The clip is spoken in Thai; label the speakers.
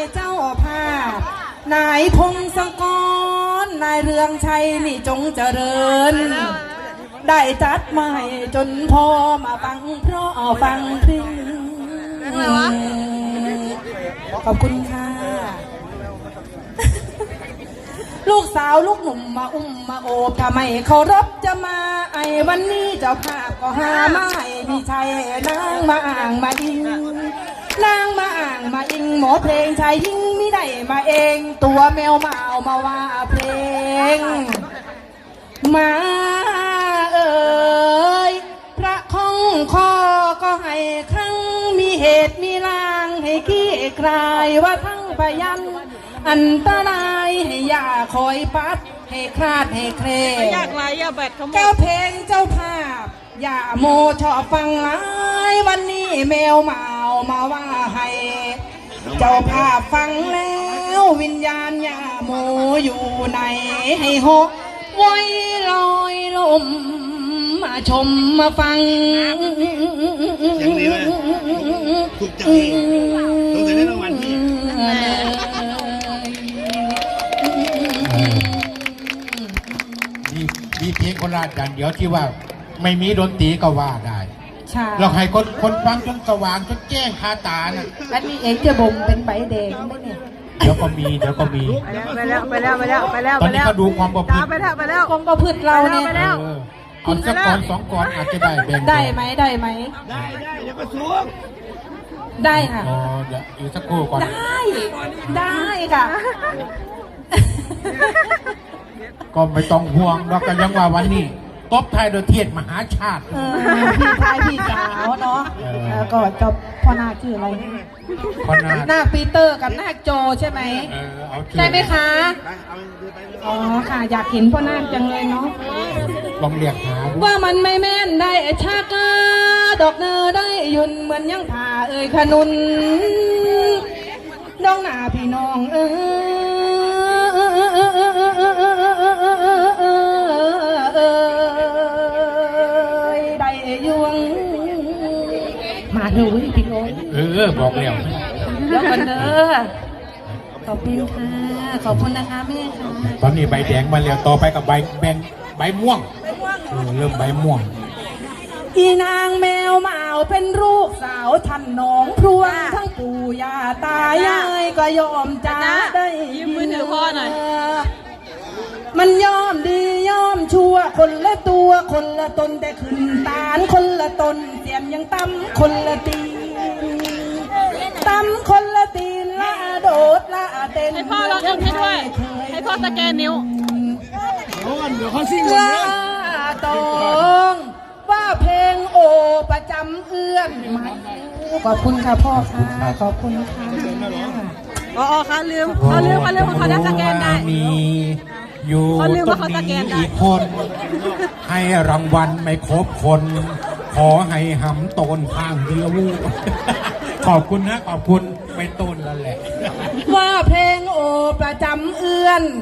Speaker 1: เจ้าภาพนายพงศกรนายเรืองชัยนี่จงเจริญได้จัดมาให้จนพอมาฟังเพราะฟังพริ้งขอบคุณค่ะลูกสาวลูกหนุ่มมาอุ้มมาโอบทำไมเคารพจะมาไอ้วันนี้เจ้าภาพก็หาไม่พี่ชัยนางมาอ่างมาอิงนางมาอ่างมาอิงหมอเพลงชายยิ่งไม่ได้มาเองตัวแมวมาเอามาว่าเพลงมาเอ่ยพระคองคอก็ให้ครั้งมีเหตุมีลางให้ขี้คลายว่าทั้งพยันอันตรายให้อย่าคอยปัดให้คลาดให้เคลยากไรอย่าแบดขโมยแก้วเพลงเจ้าภาพอย่าโมชอบฟังหลายวันนี้แมวเมามาว่าให้เจ้าภาพฟังแล้ววิญญาณอย่าโมอยู่ไหนให้หกไว้ลอยลมมาชมมาฟัง
Speaker 2: อย่างนี้เลยถูกใจต้องได้รางวัลนี้
Speaker 3: มีเพลงโคราชอย่างเดียวที่ว่าไม่มีดนตรีก็ว่าได้
Speaker 1: ใช่
Speaker 3: เราให้คนฟังจนสว่างจนแจ้งคาตาน่ะ
Speaker 1: อันนี้เองจะบ่มเป็นใบแดงไหมเนี่ย
Speaker 3: เดี๋ยวก็มี
Speaker 4: ไปแล้ว
Speaker 3: ตอนนี้เขาดูความประพฤติ
Speaker 4: ไปแล้ว
Speaker 1: ความประพฤติเราเนี่ย
Speaker 3: คุณสักก่อนสองก่อนอาจจะได้แบ่ง
Speaker 1: ได้ไหมได้
Speaker 2: เดี๋ยวก็สูง
Speaker 1: ได้ค่ะ
Speaker 3: อ๋อเดี๋ยวอีกสักครู่ก่อน
Speaker 1: ได้ค่ะ
Speaker 3: ก็ไม่ต้องห่วงเราก็ยังว่าวันนี้ตบไทยโดยเทียดมหาชาติ
Speaker 1: พี่ชายพี่สาวเนาะก็จบพ่อนาคชื่ออะไรนาคปีเตอร์กับนาคโจใช่ไหมใช่ไหมคะอ๋อค่ะอยากเห็นพ่อนาคจังเลยเนาะ
Speaker 3: ลองเรียกหา
Speaker 1: ว่ามันไม่แม่นได้ชากาดอกเนอได้ยุนเหมือนยังผ่าขนุนน้องหน้าพี่น้องได้ยวงมาดูพี่โอ้
Speaker 3: บอกแล้ว
Speaker 1: แล้วกันเด้อขอบคุณค่ะขอบคุณนะคะแม่ค่ะ
Speaker 3: ตอนนี้ใบแดงมาแล้วต่อไปกับใบม่วงเริ่มใบม่วง
Speaker 1: อีนางแมวเมาเป็นลูกสาวท่านน้องพรวงทั้งปู่ย่าตายายก็ยอมจ้าได้
Speaker 4: ยืมมือถือพ่อหน่อย
Speaker 1: มันยอมดียอมชั่วคนละตัวคนละตนแต่ขึ้นตาลคนละตนเสียมยังตั้มคนละตีตั้มคนละตีนละโดดละเต้น
Speaker 4: ให้พ่อเราเอ็มให้ด้วยให้พ่อสแกนนิ้ว
Speaker 2: เดี๋ยวเขาซิ่งเล
Speaker 1: ยตองว่าเพลงโอประจำเอื้อนขอบคุณค่ะพ่อค่ะขอบคุณค่ะ
Speaker 4: อ๋อค่ะลืมเขาได้สแกนได้
Speaker 3: มีอยู่ตรงนี้อีกคนให้รางวัลไม่ครบคนขอให้หำโตนข้างเดียวขอบคุณนะขอบคุณไม่โตนแล้วแหละ
Speaker 1: ว่าเพลงโอประจำเอื้อน